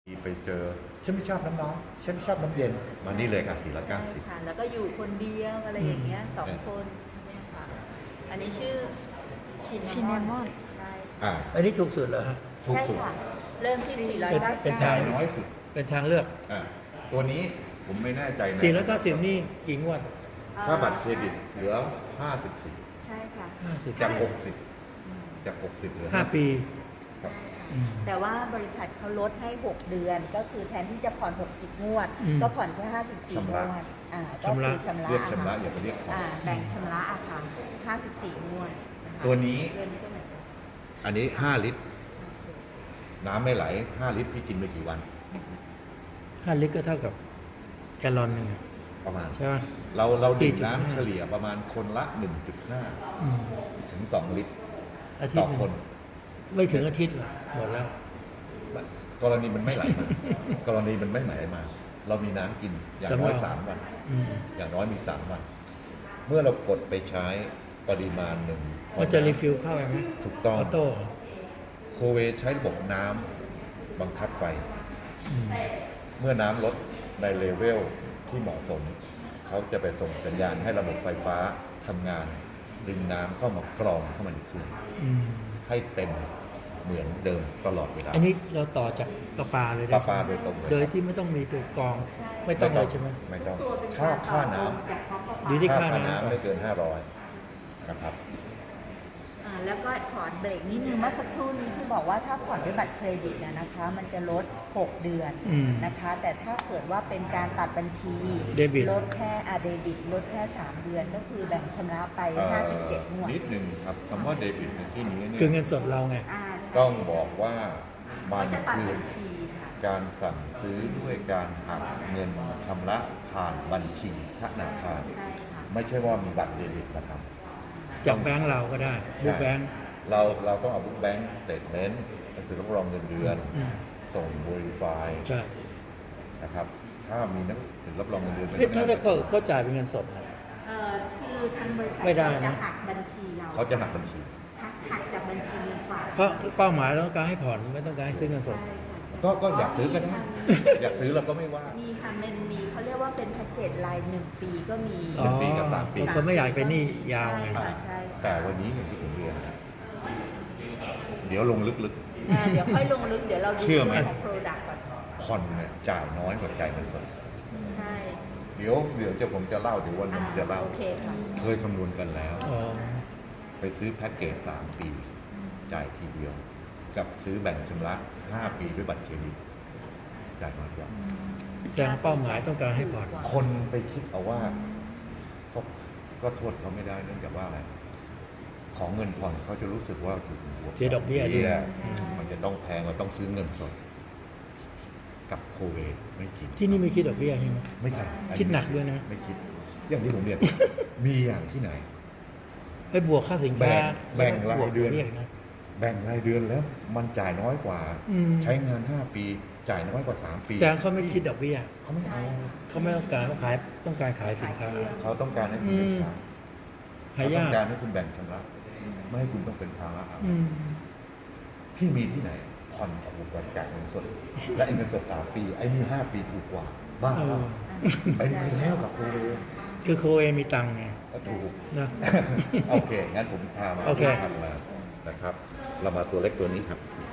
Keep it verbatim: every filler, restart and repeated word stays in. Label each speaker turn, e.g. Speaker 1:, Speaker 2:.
Speaker 1: ไปเจอ
Speaker 2: ฉันไม่ชอบน้ำร้อนฉันไม่ชอบน้ำเย็น
Speaker 1: มานี่เลยค่ะสี่ร้อยเก้าสิบ
Speaker 3: ใช่ค่ะแล้วก็อยู่คนเดียวอะไรอย่างเงี้ยสองคนเนี่ยค่ะอันนี้ชื่อชิน
Speaker 4: ชินเนมอน
Speaker 3: ใช่
Speaker 1: อ่า
Speaker 2: อันนี้ถูกสุดเหรอฮะ
Speaker 1: ถูก
Speaker 3: ใช่
Speaker 1: สุด
Speaker 3: ค่ะเริ่มที่สี่ร้อย
Speaker 2: เป็น
Speaker 3: เก้า
Speaker 2: เป็น
Speaker 3: สิบ
Speaker 2: ทาง
Speaker 1: น้อยสุด
Speaker 2: เป็นทางเลือก
Speaker 1: อ่าตัวนี้ผมไม่แน่ใจนะ
Speaker 2: สี่ร้อยเก้าสิบนี่กี่งวด
Speaker 1: ถ้าบัตรเครดิตเหลือห้าสิบสี่
Speaker 3: ใช่ค่ะ
Speaker 2: ห้าสิบ
Speaker 1: จากหกสิบจากหกสิบเหลือ
Speaker 2: ห้าปี
Speaker 1: ครับ
Speaker 2: อืม
Speaker 3: แต่ว่าบริษัทเขาลดให้หกเดือนก็คือแทนที่จะผ่อนหกสิบงวด
Speaker 2: อืม
Speaker 3: ก็ผ่อนแค่ห้าสิบสี่งวดอ่าก็คือชำระ
Speaker 1: เรียกชำระ
Speaker 3: ค่
Speaker 1: อย่าไปเรียกผ่อน
Speaker 3: อ่าแบ่งชำระอะค่ะห้าสิบสี่งวดะคะ
Speaker 1: ตัวนี้
Speaker 3: เดือนนี้ก็เหมือนกัน
Speaker 1: อันนี้ห้าลิตร น้ำไม่ไหลห้าลิตรพี่กินไปกี่วัน
Speaker 2: ห้าลิตรก็เท่ากับแกลลอนหนึ่งอะ
Speaker 1: ประมาณ
Speaker 2: ใช่ไหม
Speaker 1: เราเราดื่ม
Speaker 2: สี่จุดห้า
Speaker 1: น้ำเฉลี่ยประมาณคนละ หนึ่งจุดห้า
Speaker 2: อืม
Speaker 1: ถึงสองลิตร
Speaker 2: อาทิต
Speaker 1: ต่อ
Speaker 2: ย์หนึ่ง
Speaker 1: คน
Speaker 2: ไม่ถึงอาทิตย์หรอกหมดแล้ว
Speaker 1: กรณีมันไม่ไหลมา กรณีมันไม่ไหลมา เรามีน้ำกินอย่างน้อย
Speaker 2: จำลอง
Speaker 1: สามวัน
Speaker 2: อืม
Speaker 1: อย่างน้อยมีสามวัน เมื่อเรากดไปใช้ปริมาณหนึ่ง
Speaker 2: มันจะรีฟิลเข้าไหม
Speaker 1: ถูกต้อง
Speaker 2: ออโต้
Speaker 1: โคเวใช้ระบบน้ำบังคับไฟ
Speaker 2: อืม
Speaker 1: เมื่อน้ำลดในเลเวลที่เหมาะสม เขาจะไปส่งสัญญาณให้ระบบไฟฟ้าทำงาน ดึงน้ำเข้ามากรองเข้ามาในเครื่อง
Speaker 2: อืม
Speaker 1: ให้เต็มเหมือนเดิมตลอดเวลา
Speaker 2: อันนี้เราต่อจากประปาเลย
Speaker 1: ป
Speaker 2: ได้
Speaker 1: ลาปลา
Speaker 2: ใช่ไหม
Speaker 1: โดยตรงเลย
Speaker 2: โดยที่ไม่ต้องมีตัวกรอง ไม่ต้องเลยใช่ไหม
Speaker 1: ไม่ต้อง
Speaker 3: ตัวเป็น
Speaker 1: ค่าค่าน้
Speaker 3: จากพ่อพ่อ
Speaker 2: อยู่ที่
Speaker 1: ำ
Speaker 2: ค่าน้ำ
Speaker 1: ไม่เกินห้าร้อยนะครับ
Speaker 3: อ่าแล้วก็ขอเบรกนิดนึงเมื่อสักครู่นี้ที่บอกว่าถ้าผ่อนด้วยบัตรเครดิตนะนะคะ มันจะลดหกเดือน
Speaker 2: อืม
Speaker 3: นะคะ แต่ถ้าเกิดว่าเป็นการตัดบัญชี
Speaker 2: เดบิต
Speaker 3: ลดแค่อาเดบิตลดแค่สามเดือนก็คือแบ่งชำระไปห้าสิบเจ็ดงวด
Speaker 1: นิดหนึ่งครับคำว่าเดบิตในที่นี้เนี่ย
Speaker 2: คือเงินสดเราไง
Speaker 3: อ่าใช่
Speaker 1: ต้องบอกว่ามั
Speaker 3: เขา
Speaker 1: น
Speaker 3: จะตัด
Speaker 1: คือ
Speaker 3: บัญชีค่ะ
Speaker 1: การสั่งซื้อด้วยการหักเงินชำระผ่านบัญชีธนาคาร
Speaker 3: ใช่ค่ะ
Speaker 1: ไม่ใช่ว่ามีบัตรเดบิตมาท
Speaker 2: จากแบงก์เราก็ได้
Speaker 1: ำ
Speaker 2: บุ๊กแบงก์
Speaker 1: เราเราต้องเอาบุ๊กแบงค์สเตทเมนต์หนังสือรับรองเงินเดือน
Speaker 2: อืม
Speaker 1: ส่ง Verify
Speaker 2: ใช่
Speaker 1: นะครับ ถ้ามีหนังสือรับรองเงินเดือน
Speaker 2: เอ๊ะถ้าจะเขาเขาจ่ายเป็นเงินสดนะ
Speaker 3: เอ่อคือทางบริษัท
Speaker 2: ไม่ได้
Speaker 3: เขาจะ
Speaker 2: นะ
Speaker 3: หักบัญชีเรา
Speaker 1: เขาจะหักบัญชี
Speaker 3: หักหักจากบัญชีเงินฝาก
Speaker 2: เพราะเป้าหมายเราต้องการให้ผ่อนไม่ต้องการให้ซื้อเงินสด
Speaker 3: ใช่ค่ะ
Speaker 1: ก็ก็อยากซื้อก็ได้ อยากซื้อเราก็ไม่ว่า
Speaker 3: มีค่ะมันมีเขาเรียกว่าเป็นแพ็กเกจรายหนึ่งปีก็มี
Speaker 1: หนึ่งปีกับสามปี
Speaker 2: บางคนไม่อยากไปหนี่ยาวไง
Speaker 3: ใช่ค่ะใช่
Speaker 1: แต่วันนี้อย่างที่ผมเรียนนะเดี๋ยวลงลึก
Speaker 3: อ่าเดี๋ยวค่อยลงลึกเดี๋ยวเราดู
Speaker 1: เชื่อไหม
Speaker 3: ของ Product ก่อน
Speaker 1: ๆผ่อนเนี่ยจ่ายน้อยกว่าจ่ายเงินสด
Speaker 3: ใช่
Speaker 1: เดี๋ยวเดี๋ยวจะผมจะเล่าเดี๋ยววันหนึ
Speaker 3: อ่าง
Speaker 1: จะเล่า
Speaker 3: โอเคค่ะ
Speaker 1: เคยคำนวณกันแล้ว
Speaker 2: อ๋อ
Speaker 1: ไปซื้อแพ็กเกจสามปี จ่ายทีเดียว กับซื้อแบ่งชำระห้าปีด้วยบัตรเครดิตจ่ายน้อยกว่า
Speaker 2: แสดงเป้าหมายต้องการให้ผ่อน
Speaker 1: คนไปคิดเอาว่าก็ก็โทษเขาไม่ได้เนื่องจากว่าอะไร ของเงินผ่อนเขาจะรู้สึกว่าถูกบวก
Speaker 2: เสียดอกเบี้ยด้วย
Speaker 1: มันจะต้องแพงมันต้องซื้อเงินสด กับโคเวไม่จริง
Speaker 2: ที่นี่ไม่คิดดอกเบี้ยใช่ไหม
Speaker 1: ไม่คิด
Speaker 2: คิดหนักด้วยนะ
Speaker 1: ไม่คิด อย่างที่ผมเรียน มีอย่างที่ไหน
Speaker 2: ให้บวกค่าสินค้า
Speaker 1: แบ่งแบ่ง
Speaker 2: ล้วก็บวก
Speaker 1: รายเดือน
Speaker 2: บี้ยนะ
Speaker 1: แบ่งรายเดือนแล้ว มันจ่ายน้อยกว่า
Speaker 2: อืม
Speaker 1: ใช้งานห้าปี จ่ายน้อยกว่าสามปี
Speaker 2: แสดงเขาไม่คิดดอกเบี้ย
Speaker 1: เขาไม่เอา
Speaker 2: เขาไม่ต้องการเขาขายต้องการขายสินค้า
Speaker 1: เขาต้องการให้คุณเป็นสาย
Speaker 2: หา
Speaker 1: เขาต้
Speaker 2: ยา
Speaker 1: อก งการให้คุณแบ่งชำระไม่ให้คุณต้องเป็นภาระเอา
Speaker 2: อืม
Speaker 1: พี่มีที่ไหน ผ่อนถูกกว่าจ่ายเงินสด และไอ้เงินสดสามปี ไอ้นี่ห้าปีถูกกว่า บ้า
Speaker 2: เออ
Speaker 1: เป็นไปแล้วกับโคเว
Speaker 2: คือโคเอมีตังค์ไง
Speaker 1: ก็ถูก
Speaker 2: นะ
Speaker 1: โอเค งั้นผมพามา
Speaker 2: โอเค
Speaker 1: ทำมานะครับ เรามาตัวเล็กตัวนี้ครับ